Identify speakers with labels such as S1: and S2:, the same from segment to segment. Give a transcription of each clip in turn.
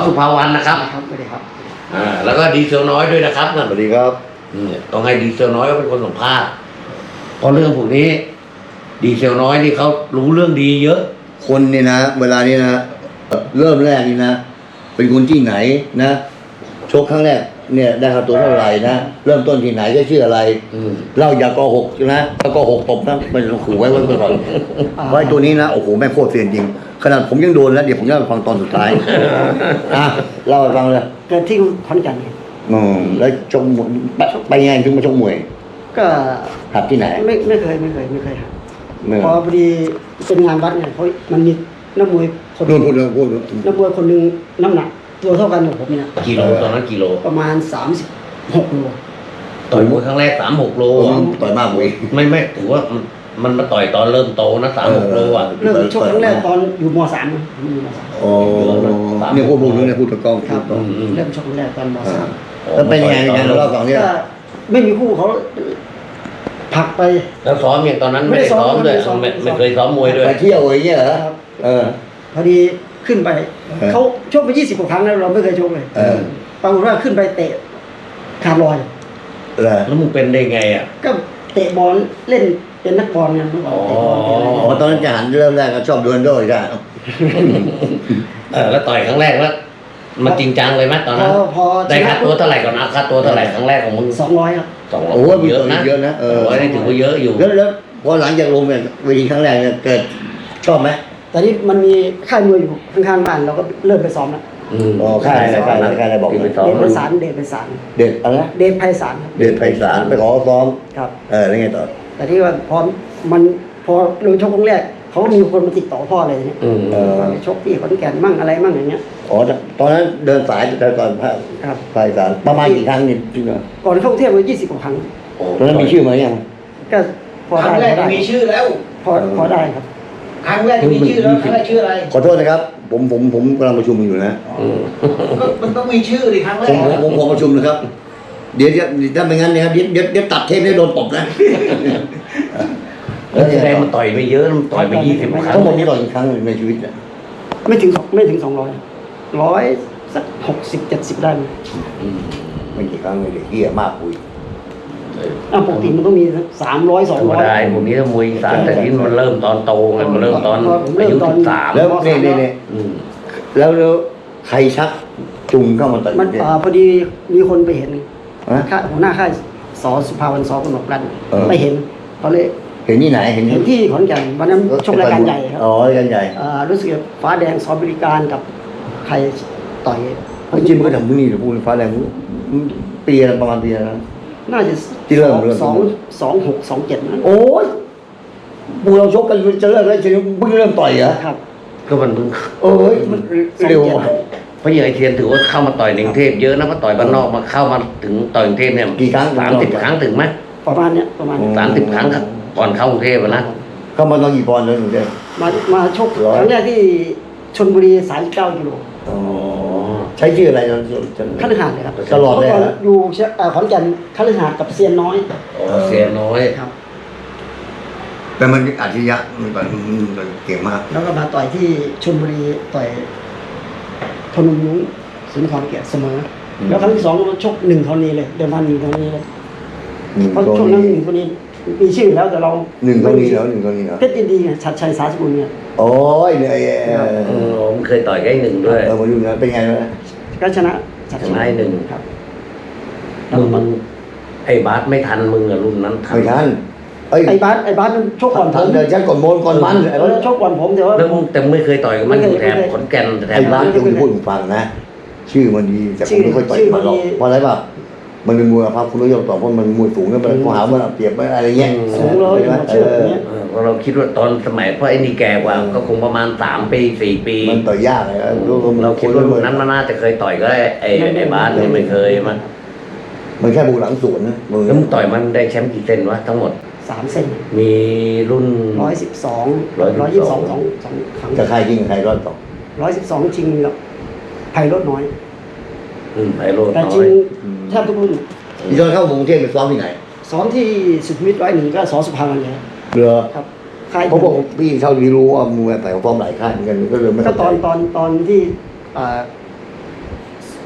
S1: สุภาวรรณนะครับ
S2: ครับสวัสดีครับ
S1: แล้วก็ดีเซลน้อยด้วยนะครับ
S3: สวัสดีครับ
S1: ต้องให้ดีเซลน้อยเขาเป็นคนสัมภาษณ์เพราะเรื่องพวกนี้ ดีเซลน้อยนี่เขารู้เรื่องดีเยอะ
S3: คนนี่นะเวลานี้นะเริ่มแรกนี่นะเป็นคนที่ไหนนะชกครั้งแรกเนี่ยได้ค่าตัวเท่าไหร่นะเริ่มต้นที่ไหนก็ชื่ออะไรเล่าอย่าโกหกนะถ้าโกหกตบนะมันขู่ไว้ก่อนเพราะไอ้ตัวนี้นะโอ้โหแม่งโคตรเซียนจริงขนาดผมยังโดนแล้วเดี๋ยวผมจะไปฟังตอนสุดท้ายเล่าให้ฟังเลย
S2: เกิดที่ขอนแก่นครับ
S3: แล้วชกมวยไปยังไงถึงมาชกมวย
S2: ก็
S3: หัดที่ไหน
S2: ไม่เคยครับพอพอดีเป็นงานวัดเนี่ยเพราะมันมีนักมวยคน
S3: พูด
S2: นักมวยคนหนึ่งน้ำหนักตัวเท่ากันกับผมเนี่ย
S1: กิโลตอนนั้นกิโล
S2: ประมาณ36 โล
S1: ต่อยมวยครั้งแรก36 โล
S3: ต่อยมากเว้ย
S1: ไม่ถือว่ามันมาต่อยตอนเริ่มโตนะ36 โลอ่ะ
S2: เริ่มชกครั้งแรกตอนอยู่ม.3นะผมอยู่ม.3
S3: อ๋อเนี่ยพูดเนี่ยพูดตะกล้อง
S2: ครับเริ่มชกครั้งแรกตอนม.3
S3: แล้วเป็นยังไงเราเล่าสองเนี่ย
S2: ก็ไม่มีคู่เขาผลักไป
S1: แล้วซ้อมอย่างตอนนั้นไม่ได้ซ้อมด้วยไม่เคยซ้อมมวยด้วย
S3: ไปเที่ยวอย่างเงี้ยเหรอ
S2: พอดีขึ้นไปเขาชกไป20 กว่าครั้งแล้วเราไม่เคยชกเลยปรากฏว่าขึ้นไปเตะขาดลอย
S1: แล้วมึงเป็นได้ไงอ่ะ
S2: ก็เตะบอลเล่นเป็นนักบอลไงเมื่อก่อนเตะบอล
S3: อ๋อตอนนั้นจะหันเริ่มแรกก็ชอบดูนโดใช่
S1: แล้วต่อยครั้งแรกแล้วมันจริงจังเลยไหมตอนนั้น
S2: พอ
S1: ได้ค่าตัวเท่าไหร่ก่อนนะค่าตัวเท่าไหร่ครั้งแรกของมึง
S2: 200 ครับ
S1: 200
S3: โอ้ย
S1: เยอะนะ
S3: เยอะนะ
S1: 200นี่ถือว่าเยอะอยู่
S3: แล้วพอหลังจากลงเนี่ยเวทีครั้งแรกเนี่ยเกิดชอบไหม
S2: แต่นี่มันมีค่ายมวยอยู่ข้างๆบ้านเราก็เริ่มไปซ้อมแล้ว
S3: อ๋อค่ายอะไรบอก
S1: ไป
S2: เด
S1: ซ้อม
S2: ชไพศาลเดชไพศาล
S3: เด็ดอะไรนะ
S2: เดชไพศาลครับ
S3: เด็ดไพศาลไปขอซ้อม
S2: ครับ
S3: แล้วไงต่อ
S2: แต่ที่ว่าพอเราชกครั้งแรกเขาก็มีคนมาติดต่อพ่ออะไรเนี่ยชกที่ขอนแก่นมั่งอะไรมั่งอย่างเงี้ย
S3: อ๋อตอนนั้นเดินสายแต่ก่อนภาค
S2: ครับ
S3: ไพศาลประมาณกี่ครั้งนี่พี่เนาะ
S2: ก่อนเข้ากรุงเทพมา20 กว่าครั้ง
S3: ตอนนั้นมีชื่อมายัง
S2: ก็พอ
S4: ครั้งแร
S2: ได้
S4: กมีชื่อแล้ว
S2: พอได้ครับ
S4: ครั้งแรกมีชื่อแล้วครั้งแรกชื่ออะไร
S3: ขอโทษนะครับผมกำลังประชุมอยู่นะ
S4: ก็มันต้องมีชื่อดิครั้งแร
S3: ผมขอประชุมนะครับ เดี๋ยวถ้าไม่งั้นนะครับเดี๋ยวตัดเทปได้โดนตบนะ
S1: แล้วแสดงมันต่อยไม่เยอะมันต่อยไป20 ครั้ง
S3: ทั้งหมดนี้ต่อยกี่ครั้งในชีวิตเนี่ย
S2: ไม่ถึง200 100สัก60-70ได้ไหม
S3: ไม่กี่ครั้งเลยเด็กเหี้ยมากคุย
S2: ปกติมันต้องมี300
S1: ธรรมดา
S2: 200
S1: พวกนี้ถ้ามวยอีสานแต่ที่มันเริ่มตอนโตไงมันเริ่มตอนอายุ13
S3: แล้วเนี่ยแล้วใครชักจุงเข้ามาต่อย
S2: มัน
S3: เนี่ย
S2: พอดีมีคนไปเห็น
S3: ฮะ
S2: หัวหน้าค่ายสสุภาวรรณ สกนกรัตน์ไปเห็นเขาเลย
S3: เห็นที่ไหนเห็น
S2: ที่ขอนแก่นวันนั้นชกรายการใหญ่ครับ
S3: อ๋อรายการใหญ่
S2: รู้สึกฟ้าแดงสอบริการกับใครต่อย
S3: จริงมันก็ทำมือนี่เดี๋ยวพูดฟ้าแรงปีอะไรประมาณปีอะไรนะ
S2: น่าจะ
S3: ที่เริ่ม
S2: 26-27นั้น
S3: โอ้ยปูเราชกกันจะเลิกแล้วจะเพิ่งเริ่มต่อยเหรอ
S2: ครับ
S1: ก็มันเพิ่ง
S3: เอ้ยมันเร็ว
S1: เพราะอย่างไอเทียนถือว่าเข้ามาต่อยในกรุงเทพเยอะนะเพราะต่อยบ้านนอกมาเข้ามาถึงต่อยกรุงเทพเนี่ย
S3: กี่ครั้ง
S1: 30 ครั้งถึงไหม
S2: ประมาณเนี้ยประมาณ
S1: 30 ครั้งครับก่อนเข้ากรุงเทพนะ
S3: เข้ามาตอนกี่ปอนด์เลยหนูเจ้
S2: มาชกครั้งแรกที่ชลบุรี39 กิโล
S3: ใช้ชื่ออะไรตอน
S2: คฤหาสน์เลยครับ
S3: ตลอดเลย
S2: มื่ก่น
S3: นะ
S2: อยู่ขอนแก่นคฤหาสน์กับเซียนน้อย
S1: เสียน้อย
S2: ครับ
S3: แต่มันอัจฉริยะมันเก่งมาก
S2: แล้วก็มาต่อยที่ชลบุรีต่อยธนูยุ้งสุนทรเกียรติเสมอ แล้วครั้งที่2ก็ชก1 ธรณีเลยเดิมพัน1 ธรณีเลยเพราะช่วงนั้น1 ธรณีมีชื่อแล้วแต่เรา
S3: หนึ่งเท่านี้แล้ว
S2: เพชรยินดีไงชัดชัยสาสกุลเนี่ย
S3: โอ้ยเนี่ย
S1: ผมเคยต่อยกับไอ้หนึ่งด้วย
S3: มาดูนะเป็นไงนะ
S2: ก็ชนะ
S1: ชนะไอ้หนึ่ง
S2: ครับ
S1: มึงไอ้บาสไม่ทันมึงอะรุ่นนั้นทัน
S3: ไม่ทัน
S2: ไอ้บาสมันชกก่อนผม
S3: เดี๋ยวฉันก่อนโมนก่อนมัน
S2: ชกก่อนผมแต่ว่า
S1: แล้วมึงแต่ไม่เคยต่อยกับมันอยู่แถบขอนแก่นแถ
S3: ไอ้
S1: บ
S3: บ้านจะพูดฟังนะ ชื่อมันดีแต่ผมไม่ค่อยต่อยมันหรอกเพราะอะไรป่ะมันเป็นมวยภาพคุณนิยมต่อเพราะมันมวยสูงแล้วมันข้อหามันเปรียบอะไรเงี้ย
S2: สูงเลยเชื่ออย่างเงี้ย
S1: เพราะเราคิดว่าตอนสมัยเพราะไอ้นี่แก่กว่าก็คงประมาณ3 ปี 4 ปี
S3: มันต่อยยากเลย
S1: เราคิดว่ารุ่นนั้นมันน่าจะเคยต่อยก็ไอ้บาสนี่ไม่เคย
S3: มันแค่บุกหลังสวนนะมือ
S1: แล้วมึงต่อยมันได้แชมป์กี่เซนวะทั้งหมด
S2: 3 เซน
S1: มีรุ่น
S2: 112 122 2 ครั้ง
S3: กับใครจริงกับใครรอดต่อ
S2: 112จริงกับไพโรจน์น้อย
S1: ไพโรจน์
S2: แต่
S1: น้
S2: จริ
S1: อง ย
S2: แทบทุกรุ่น
S3: ที่ตอนเข้ากรุงเทพไปซ้อมที่ไหน
S2: สอนที่สุขุมวิท101ก็สอสุภาวรรณเลย
S3: เหรอ
S2: ครับค่าย
S3: เพราะว่าพี่เท่าที่รู้ว่ามือแต่ฟอร์มหลายค่ายเหมือนกันก็เลยไม่
S2: ก็ตอนที่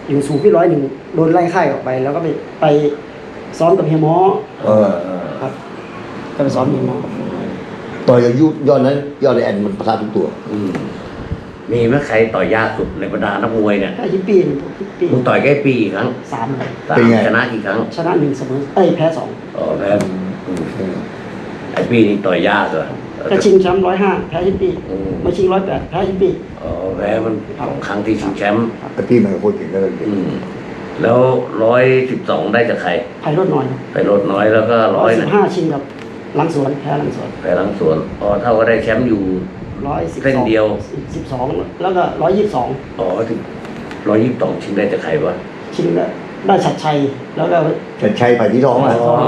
S2: อยู่สูงที่101โดนไล่ค่ายออกไป แล้วก็ไปซ้อมกับเฮียหมอ
S3: เออ
S2: ครับก็ไปซ้อมเฮียหมอ
S3: ต่อยอายุยอดนั้นยอดไอ้แอนมันประทะทุกตัว
S1: อืมมีไหมใครต่อยยากสุดในบรรดานักมวยเนี่ย
S2: ถ้าฮิปปี้
S1: มึงต่อยแค่ปีกี่ครั้ง
S2: 3เลย
S1: สาม
S3: เป็นไง
S1: ชนะกี่ครั้ง
S2: ชนะ1เสมอแพ้2
S1: อ๋อแพ้ไอ้ปีนี่ต่อยยากเหรอ
S2: ก็ชิงแชมป์105แพ้ฮิปปี้
S1: อืม
S2: มาชิง108แพ้ฮิปปี้
S1: อ๋อแพ้มันสองครั้งที่ชิงแชมป์
S3: ไอ้พี่มันโคตรเก่งเลย
S1: อืมแล้ว112ได้จากใคร
S2: ไพโรจน์หน่อย
S1: ไปลดน้อยแล้วก็100นะ
S2: 115ชิงกับหลังสวนแพ้หลังสวน
S1: ไปหลังสวนอ๋อเท่าก็ได้แชมป์อยู่
S2: 112
S1: เส้นเดียว
S2: 12แล้วก็122
S1: อ๋อที่122ชิงได้จากใครวะ
S2: ชิงได้ชัดชัยแล้วก็
S3: แต่ชัยไปที่ท้องอ่ะ
S1: อ๋อ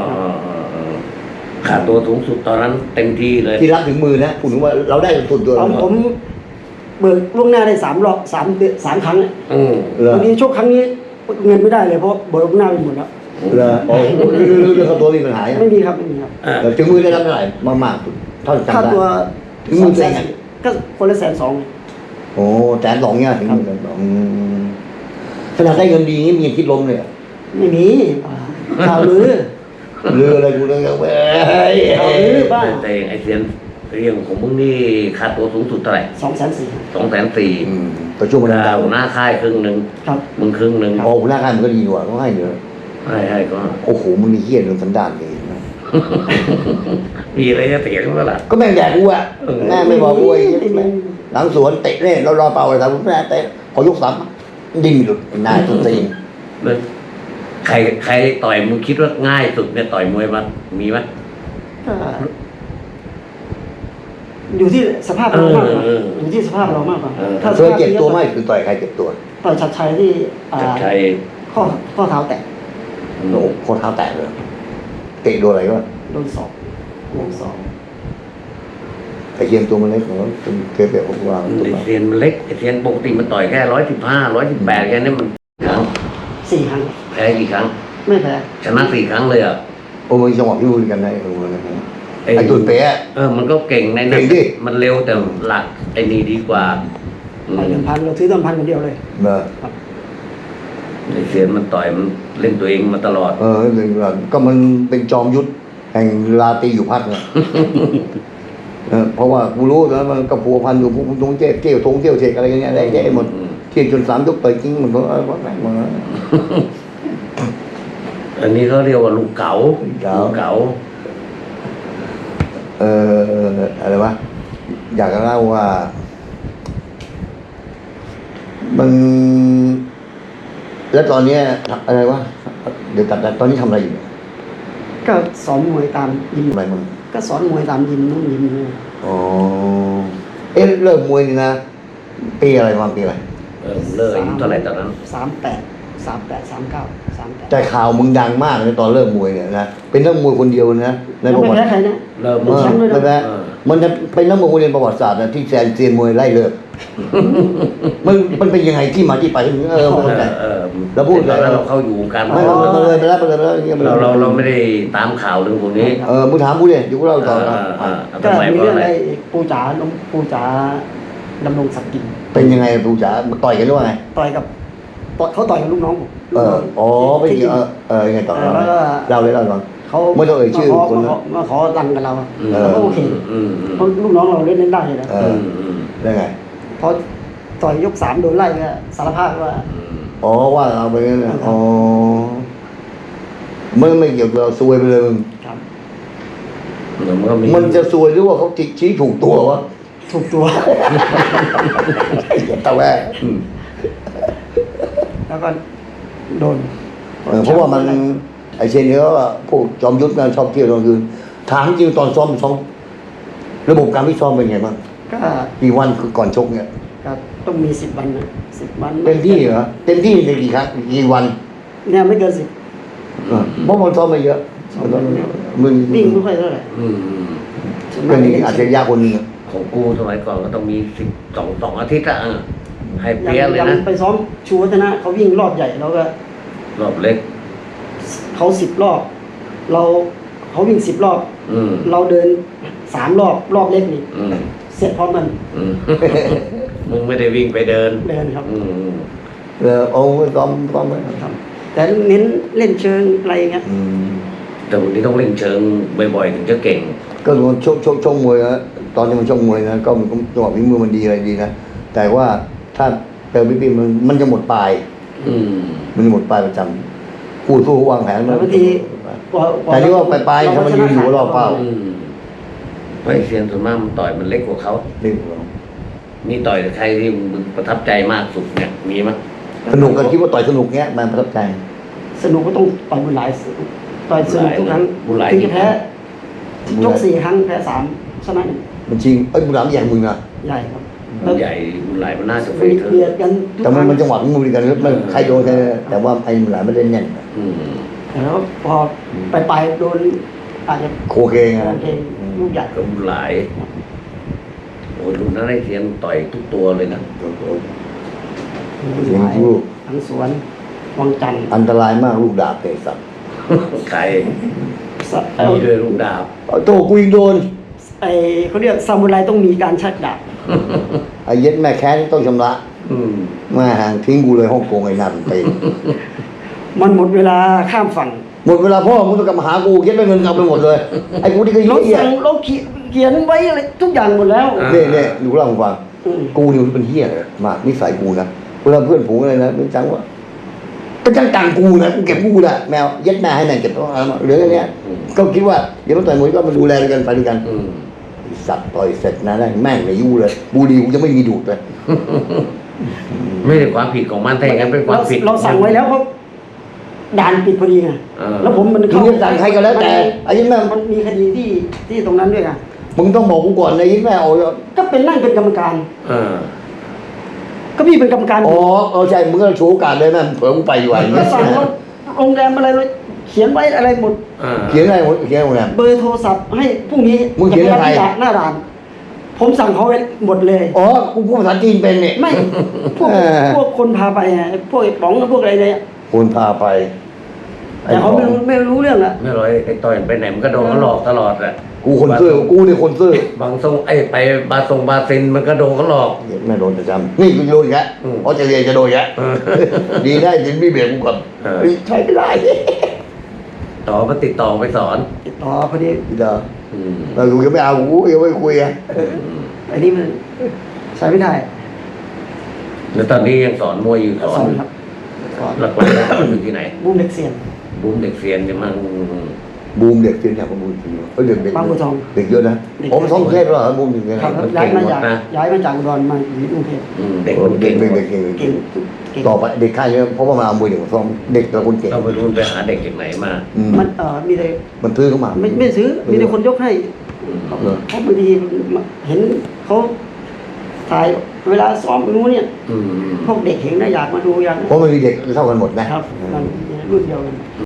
S1: ขาดตัวสูงสุดตอนนั้นเต็มที่เลย
S3: ที่รับถึงมือนะพูดถึงว่าเราได้สุดตัว
S2: ผมเบิกล่วงหน้าได้3 รอบ3 ครั้ง
S1: อืม
S3: เหรอ
S2: วันนี้โชคครั้งนี้เงินไม่ได้เลยเพราะเบิกล่วงหน้าไปหมดแล้ว
S3: เหรอโอ้เรื่องค่าตัวมีปัญหา
S2: ไม่มีครับไม่มีครับ
S3: แต่ถึงมือได้รับเท่าไหร่มากๆเท่าจำ
S2: ค่า
S3: ได้
S2: ตัว
S3: ถึงมือแสน
S2: ก็คนละ120,000
S3: โอ้120,000เนี่ยถึงมือ120,000ขนาดได้เงินดีนี่มีคิดล้มเลย
S2: ไม่มีข่าวลือ
S3: เรืออะไรกูเรื่องเว้ย
S2: ข่าวลือบ้าน
S1: แต่ไอ้เสียนเรื่องของมึงนี่ค่าตัวสูงสุดเท่าไหร่
S2: 240,000
S1: 240,000
S3: ประชุมมันดาว
S1: หัวหน้าค่ายครึ่งหนึ่ง
S2: ครับ
S1: มึงครึ่งหนึ่ง
S3: โอ้หัวหน้าค่ายมันก็ดีกว่าเขาให้เยอะ
S1: ให้ก็
S3: โอ้โหมึงมีเหี้ยเรื่องสันดานเลยนะ
S1: มีอะไรจะเถียงมั้ยล่ะ
S3: ก็แม่งแดกกูอะแม่งไม่บอกกูไอ้หลังสวนเตะเล่นรอเป่าอะไรทำแม่เตะพอยกสามดิ้นหลุดหน้าสุดตีน
S1: แล้วใครต่อยมึงคิดว่าง่ายสุดเนี่ยต่อยมวยมันมีไหม
S2: ก็อยู่ที่สภาพเรามากกว่า อยู่ที่สภาพเรามากกว่าถ้า
S3: เคยเจ็บตัวไหมคือต่อยใครเจ็บตัว
S2: ต่อยชัดชัยที่
S1: จัดชัย
S2: ข้อเท้าแตะ
S3: โอ้โหโคตรเท้าแตกเลยเตะโดนอะไรวะ
S2: โดนศอก
S3: ไอ้เคียงตัวมันเล็กของเราเป็นเกลียวของเรา
S1: ไอ้เทียนมันเล็กไอ้เทียนปกติมันต่อยแค่115 118แค่นี้มันครั้ง
S2: 4 ครั้ง
S1: แพ้กี่ครั้ง
S2: ไม่แพ้
S1: ชนะ4 ครั้งเลยอ่ะ
S3: โอ้มันจังหวะพี่พูดกันได้ไอ้ตุ่นเป๊ะ
S1: มันก็เก่งใน
S3: เก่งดิ
S1: มันเร็วแต่หลักไอ้นี่ดีกว่าอืม
S2: ต่อย1,000เราซื้อ1,000คนเดียวเลย
S3: เนอะ
S1: ไอ้เทียนมันต่อยมันเล่นตัวเองมาตลอด
S3: ก็มันเป็นจอมยุทธแห่งลาตีอยู่พักเนี่ยเพราะว่ากูรู้นะมันกับพัวพันอยู่พวกตรงเที่ยวทงเที่ยวเทกอะไรอย่างเงี้ยได้แย่หมดเที่ยวจน3 ยกต่อยจริงมันก็ว่าแม่งมา
S1: อันนี้เขาเรียกว่าลูกเก๋า
S3: ลูกเก๋า อะไรวะอยากจะเล่าว่า มัน แล้วตอนเนี้ยอะไรวะเดี๋ยวตัดตอนนี้ทำอะไรอยู่
S2: ก็สอนมวยตามยิม
S3: ทำอะไรมึง
S2: ก็สอนมวยตามยิมนู่นยิมนี่
S3: อ๋อเริ่มมวยนี่นะปีอะไรมาปีอะไร
S1: เลิกอายุเท่าไหร่ตอนนั้น
S2: 38 39
S3: แต่ข่าวมึงดังมากเลยตอนเริ่มมวยเนี่ยนะเป็นนักมวยคนเดียวนะใน
S2: 38
S3: ประ
S2: ยัง
S3: วั
S2: ไม่
S3: ติ
S2: แพ้ใครนะ
S1: เริ่ม
S2: เป็นแชมป์ด้วยนะ
S3: ไม่แพ้มันจะเป็นนักมวยคนเดียวประวัติศาสตร์นะที่แซนเซียนมวยไล่เลิกมันเป็นยังไงที่มาที่ไปไม่เข้าใจ แล้วพูด
S1: ตอนนั้นเราเข้าอยู่วงการ
S3: ไม่เลยไปแล้วอย่างเงี้ย
S1: เราไม่ได้ตามข่าวเรื่องพวกนี้
S3: มึงถามกูดิเดี๋ยวกูเล่าต่อนะ
S2: ก็
S1: ทำไม
S2: มี
S1: เพราะ
S2: เรื่อง
S1: อะไร
S2: ไอ้ปูจ๋าดำรงศักดิ์กิน
S3: เป็นยังไงปูจ๋าต่อยกันหรือว่าไง
S2: ต่อยกับเขาต่อยกับลูกน้องผม
S3: ไม่เกี่ยวยังไงต่อ
S2: แล้วก็
S3: เล่าเลยเล่าก่อน
S2: เขา
S3: ไม่ต้องเอ่ยชื่อคนนะ
S2: มาขอรันกับเรา
S1: อืม
S2: เราก็โอเค
S1: อืม
S2: เพราะลูกน้องเราเล่นได้เลยนะ
S3: ได้ไง
S2: พอต่อยยก 3โดนไล่ก็สารภาพว่า
S3: ว่าเราไปงั้นนะไม่เกี่ยวกับเราซวยไปเลยมึง
S2: ครับ
S3: มันจะซวยหรือว่าเขาชี้ถูกตัววะ
S2: ถูกตัว
S3: ตะแวะ
S2: แล้วก็โดน
S3: เพราะว่ามันไอเชนเนี่ยว่าพวกจอมยุทธงานชอบเที่ยวตอนคืนถามจริงตอนซ้อมระบบการพิซ้อมเป็นไงบ้าง
S2: ก็
S3: กี่วันคือก่อนชกเนี่ย
S2: ก็ต้องมี10 วันนะ10 วัน
S3: เต็มที่เหรอเต็มที่ในกี่ครั้งกี่วัน
S2: เนี่ยไม่เกิน
S3: เพราะมันซ้อมไม่เยอะมึง
S2: 10วิ่งไม่ค่อยเท่าไหร่
S3: เป็นอาชญาคนนึง
S1: ของกูสมัยก่อนก็ต้องมี12 อาทิตย์อะให้
S2: อ
S1: เปี้ยเลย
S2: ย่าง
S1: นะ
S2: ไปซ้อมชูวัฒนะเขาวิ่งรอบใหญ่แล้วก็
S1: รอบเล็ก
S2: เขา10 รอบเขาวิ่ง10 รอบ
S1: อืม
S2: เราเดิน3 รอบเล็กนี่
S1: อืม
S2: เสร็จพร้อมกัน
S1: มึงไม่ได้วิ่งไปเดิน
S2: เดินครับ
S1: อืม
S3: เอาไว้ซ้อมไว้
S2: ครับ แต่เน้นเล่นเชิงอะไรอย่างเงี้ย
S3: อืม
S1: แต่วันนี้ต้องเล่นเชิงบ่อยๆถึงจะเก่ง
S3: ก็มันชกมวยนะตอนนี้มันชกมวยนะก็มันจังหวะฝีมือมันดีอะไรดีนะแต่ว่าถ้าเติมพี่มันจะหมดปลาย
S1: อืม
S3: มันจะหมดปลายประจำพูดวางแผน
S2: แล้วบางที
S3: แต่นี่ว่าปลายๆถ้ามันยืนอยู่รอบเป้า
S1: อืมเพราะไอ้เซียนส่วนมากมันต่อยมันเล็กกว่าเขา
S3: นี่
S1: มีต่อยกับใครที่มึงประทับใจมากสุดเนี่ยมีมั้ย
S3: สนุกกันคิดว่าต่อยสนุกเงี้ยมันประทับใจ
S2: สนุกก็ต้องต่อยบุญหลายต่อยสนุกทุกครั้ง
S1: บุญหลาย
S2: ถึงจะแพ้ชก4 ครั้งแพ้3ชนะ1
S3: มันจริงบุญหลามใหญ่มึงนะ
S2: ใหญ่ครับ
S1: มันใหญ่มันหลายมันน่าจะเฟ
S2: เบี
S1: เธอ
S2: ยด
S1: ร์
S2: กันทุก
S3: แต่
S2: ครั้ง
S3: มันจังหวะฝีมือดีกันมันใครโดนใครแต่ว่าไอ้บุญหลามไม่ได้แน่น
S1: อืม
S2: แล้วพอไปโดนอาจจะ
S3: โคเคไง
S2: โอเคลูกใหญ่
S1: ก็บุญหลายโอ้ยรุ่นนั้นไอ้เซียนต่อยทุกตัวเลยนะ
S2: บุญหลายทั้งสวนวังจันทร์
S3: อันตรายมากลูกดาบเตะสัตว์
S1: ใครมีด้วยลูกดาบ
S3: โตกูยิงโดน
S2: ไอเขาเรียกซามูไรต้องมีการชักดาบ
S3: ไอ้เย็ดแม่แค้นต้องชำระ
S1: อืม
S3: มาห่างทิ้งกูเลยฮ่องกงไอ้นั่นไป
S2: มันหมดเวลาข้ามฝั่ง
S3: หมดเวลาพ่อมึงต้องกลับมาหากูเย็ดแม่เงินเอาไปหมดเลยไอ้กูนี่ก็
S2: เรา
S3: เหี้ย
S2: สั่งเราเขียนไว้อะไรทุกอย่างหมดแล้ว
S3: เนี่ยดูเล่าให้ฟัง
S2: อืม
S3: กูนี่มันเป็นเหี้ยเลยมากนิสัยกูนะเวลาเพื่อนฝูงอะไรนะเป็นจังว่าเป็นจังตังกูนะกูเก็บกูนะแมวเย็ดแม่ให้แม่งเก็บตัวเหลือแค่เนี้ยก็คิดว่าเดี๋ยวมันต่อยมวยก็มาดูแลกันไปด้วยกัน
S1: อืม
S3: สัตว์ต่อยเสร็จนะแม่งไม่ยู่เลยบุหรี่กูจะไม่มีดูดเลย
S1: ไม่ใช่ความผิดของมันแต่อย่างนั้นเป็นความผิด
S2: เราสั่งไว้แล้วเพราะด่านปิดพอดีไง
S1: เออ
S2: แล้วผมมัน
S3: มึงจะสั่งใครก็แล้วแต่ไอ้เย็ดแม่
S2: มันมีคดีที่ตรงนั้นด้วยไง
S3: มึงต้องบอกกูก่อนนะเย็ดแม่เอา
S2: ก็เป็นนั่งเป็นกรรมการ
S1: เออ
S2: ก็พี่เป็นกรรมการ
S3: อ๋อใช่มึงก็โชว์โอกาสเลยแม่เผื่อกูไปอยู่ไอ้
S2: ก็สั่งว่าโรงแรมอะไรเลยเขียนไว้อะไรหมด
S3: เขียนอะไรเขียนอะไร
S2: เบอร์โทรศัพท์ให้พรุ่งนี้
S3: มึงเขียนให้ใคร
S2: จะไปรับหน้าด่าน ผมสั่งเขาไว้หมดเลย
S3: อ๋อกูพูดภาษาจีนเป็นเนี่ย
S2: ไม่พวก
S3: เออ
S2: พวกคนพาไปไงพวกไอ้ป๋องพวกอะไรเนี่ย
S3: คนพาไป
S2: แต่เขาไม่รู้เรื่องละ
S1: ไม่ร้อยไอ้ต่อยไปไหนมันก็โดนเขาหลอกตลอดแหละ
S3: กูคนซื่อกูนี่คนซื่อบ
S1: างทรงไอ้ไปบาซินมันก็โดนเขาหลอก
S3: แม่โดนประจำนี่กูโดนอีกแล้ว
S1: อืม
S3: ออสเตรเลียจะโดนอีกแล้ว
S1: เออ
S3: ดีได้ยินพี่เบียร์กูก่อน
S1: เออ
S3: เฮ้ยใช้ไม่ได้
S1: ต่อมาติดต่อไปสอน
S2: ติดต่อพอดี
S3: พี่ดา
S1: อืม
S3: เรากูยังไม่เอากูยังไม่คุยอ่ะ
S2: อันนี้มันใช้ไม่ได้
S1: แล้วตอนนี้ยังสอนมวยอยู่สอ
S2: สอน นครับสอน
S1: หลักๆสอนอยู่ที่ไหน
S2: บุ้มเด็กเสียน
S1: บูมเด็กเซียนจะมา
S3: บูมเด็กเสียเนี่ยบูมจริงเฮ้ยเด็ก
S2: บางบัวทอง
S3: เด็กเยอะนะ
S2: เด็ก
S3: ผมท้องเทพแล้วเหรอบูมจริงๆนะครับ
S2: ย้ายมาจากอุดรมาอยู่ที่กรุงเทพ
S1: เด็ก
S3: เด็
S1: เก่
S3: ก
S1: ง
S3: เด็กเด็กเก่ง
S2: เก่งเก่ง
S3: ต่อไปเด็กค่ายเยอะเพราะว่ามาเอามวยเด็กมาซ้อมเด็กแต่ละคนเก่ง
S1: เราไปรุ่นไปหาเด็กจากไหนมา
S2: มันมีแต่
S3: มันซื้อเข้ามา
S2: ไม่ซื้อมีแต่คนยกให้
S3: เหรอ
S2: เพราะบางทีเห็นเขาถ่ายเวลาซ้อมรู้เนี่ย
S1: อืม
S2: พวกเด็กเห็นนะอยากมาดูอยาก
S3: เพราะมันมีเด็กเท่ากันหมดนะครับ
S2: มันรุ่นเดียวกัน
S1: อื